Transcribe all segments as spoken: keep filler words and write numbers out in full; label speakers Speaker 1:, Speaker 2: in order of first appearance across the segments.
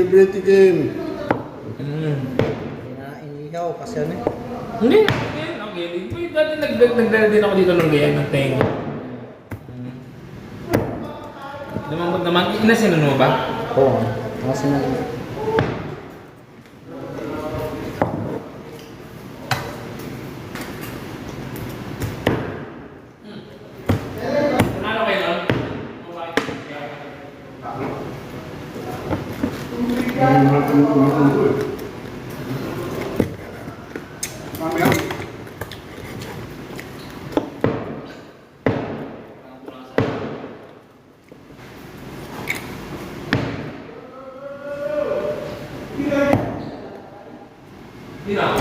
Speaker 1: libre tikim.
Speaker 2: Mm.
Speaker 3: Inihaw kasi ano eh.
Speaker 2: Hindi, hindi, okay. Uy, dati nagdala nagdala din ako dito ng ganyan ng tenga. Naman, naman, inasinan mo ba?
Speaker 3: Oo. Kasi na.
Speaker 2: Ano kayo nun? Di na.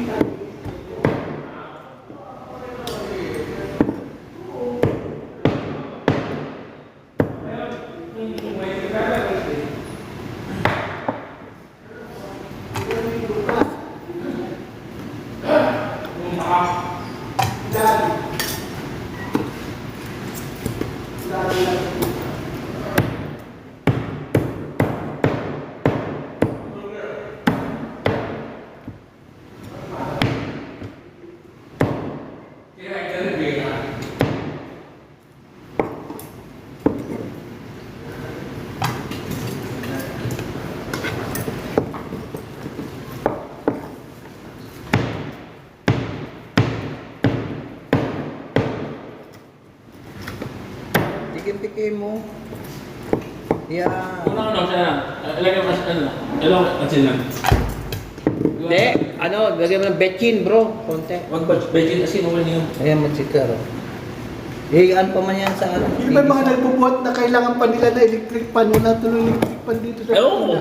Speaker 3: Tikim-tikim mo. Yan.
Speaker 2: Una ano siya. Ilagay mo kasi ano. Ilagay mo kasi lang.
Speaker 3: Hindi, ano, lagyan mo ng betchin bro. Konti.
Speaker 2: Wag ba bedin kasi naman niyo.
Speaker 3: Ayan, magsikar. Eh, ano pa man yan sa ano?
Speaker 1: Yung may mga nagbubuhat na kailangan pa nila na electric pan. Wala tuloy electric pan dito sa
Speaker 2: Oo.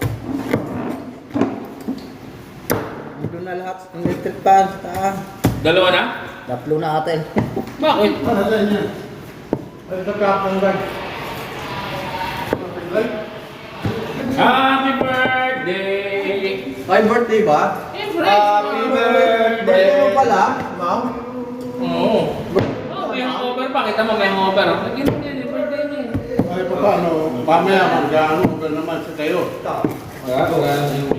Speaker 3: Doon na lahat ng electric pan sa taas.
Speaker 2: Dalawa na?
Speaker 3: Tatlo na atin.
Speaker 2: Bakit?
Speaker 1: Para saan yan? Ay, sa kapang bag.
Speaker 2: Happy birthday!
Speaker 3: Ay, birthday ba?
Speaker 2: Happy
Speaker 3: Birthday mo pala, ma'am?
Speaker 2: Oo. Oh, may hangover pa. Kita mo may hangover. Naging yan, birthday niya.
Speaker 1: Ay, pa paano? Pamaya, mag-ano ka naman sa kayo.
Speaker 2: Wala, wala.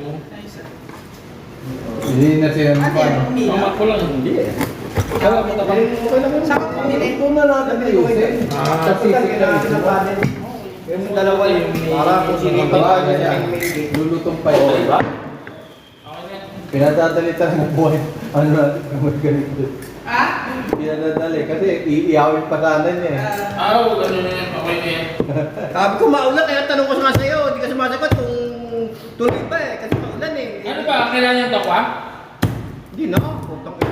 Speaker 1: Hindi na siya naman.
Speaker 2: Mama ko lang, hindi eh. Kaya mo naman.
Speaker 3: Saka pumili ko na natin ayusin.
Speaker 1: Ah, kasi sila
Speaker 3: Yung dalawa yung
Speaker 1: para kung sinipag niya, lulutong pa yun.
Speaker 2: Diba?
Speaker 1: Pinadadalitan ng buhay. Ano natin kung ganito.
Speaker 4: Ha?
Speaker 1: Pinadadali kasi iiyawin pa sana niya eh.
Speaker 2: Ah, ano na yan, okay na yan.
Speaker 5: Sabi ko maulan, kaya tanong ko nga sa'yo, hindi ka sumasagot kung tuloy ba eh, kasi maulan eh.
Speaker 2: Ano ba, kailangan niyang tokwa?
Speaker 5: Hindi na, putang ito.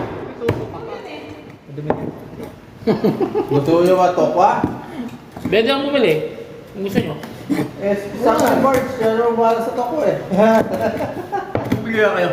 Speaker 1: Gusto nyo ba tokwa?
Speaker 2: Pwede ang bumili. Kung gusto niyo.
Speaker 1: Eh, sa birds, pero wala sa tokwa eh.
Speaker 5: Bigyan kayo.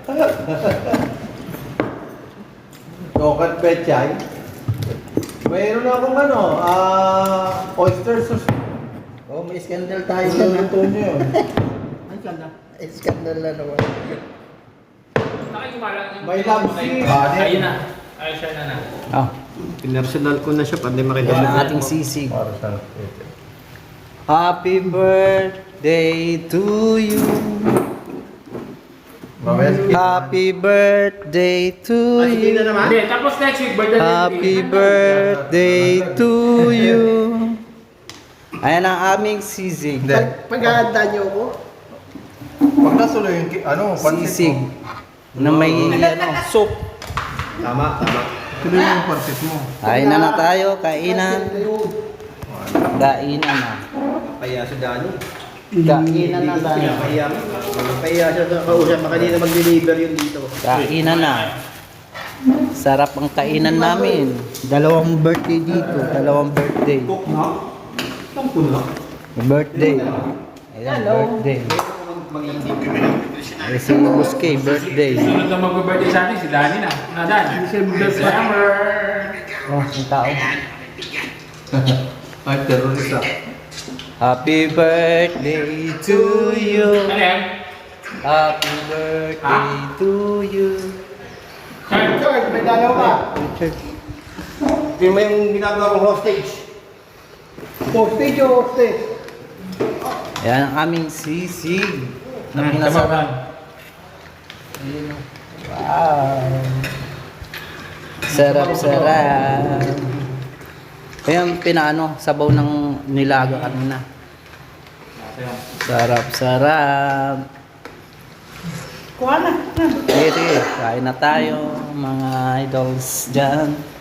Speaker 1: Tokat pechay. Mayroon akong ano, ah, oyster sauce.
Speaker 3: Oh, may scandal tayo
Speaker 1: Ano
Speaker 3: dyan ha.
Speaker 1: luto nyo yun?
Speaker 5: Ang ganda.
Speaker 3: Eh, scandal na naman.
Speaker 2: Nakikimalang yung...
Speaker 1: May lamsi.
Speaker 2: Ayun na. Ay, siya na na.
Speaker 3: Ah,
Speaker 5: Pinersonal ko na siya, pati
Speaker 3: yan
Speaker 5: makita
Speaker 3: ang ating sisig.
Speaker 1: Para sa
Speaker 3: Happy birthday to you.
Speaker 1: Mamaya skip.
Speaker 3: Happy birthday to
Speaker 5: Ah, sige na
Speaker 3: you.
Speaker 5: naman?
Speaker 2: Hindi, tapos next week, birthday
Speaker 3: Happy birthday to you. Ayan ang aming sisig.
Speaker 1: Hindi.
Speaker 5: Pag-ahanda niyo ako.
Speaker 1: Pag nasulo yung ki- ano, pansit
Speaker 3: Sisig.
Speaker 1: mo.
Speaker 3: Na may ano, soup.
Speaker 5: Tama, tama.
Speaker 1: Tuloy mo yung pansit mo.
Speaker 3: Kain na na tayo, kainan. Kainan na.
Speaker 5: Kaya sa Dani.
Speaker 3: Kainan na tayo.
Speaker 5: Kaya, kaya siya sa kausap, makanina mag-deliver yun dito.
Speaker 3: Kainan na. Sarap ang kainan namin. Dalawang birthday dito, dalawang birthday.
Speaker 5: Cook na? Ang pula.
Speaker 3: Birthday. Ayan, birthday. Eh, si Buskay, birthday.
Speaker 2: Sunod na mag-birthday sa atin, si Danny na. Na, Dan. December.
Speaker 3: Oh, yung tao.
Speaker 1: Ay, terrorista.
Speaker 3: Happy birthday to you.
Speaker 2: Ano yan?
Speaker 3: Happy birthday to you.
Speaker 2: Sir,
Speaker 5: George, may dalaw ka. Hindi mo yung ginagawa kong hostage.
Speaker 1: Hostage o hostage?
Speaker 3: Yan ang aming sisig na
Speaker 2: Hmm,
Speaker 3: pinasarap. Ayun, oh. Wow. Sarap, sarap. Ayan, pinaano, sabaw ng nilaga kanina. Sarap, sarap.
Speaker 4: Kuha na.
Speaker 3: Sige, sige. Kain na tayo, mga idols dyan.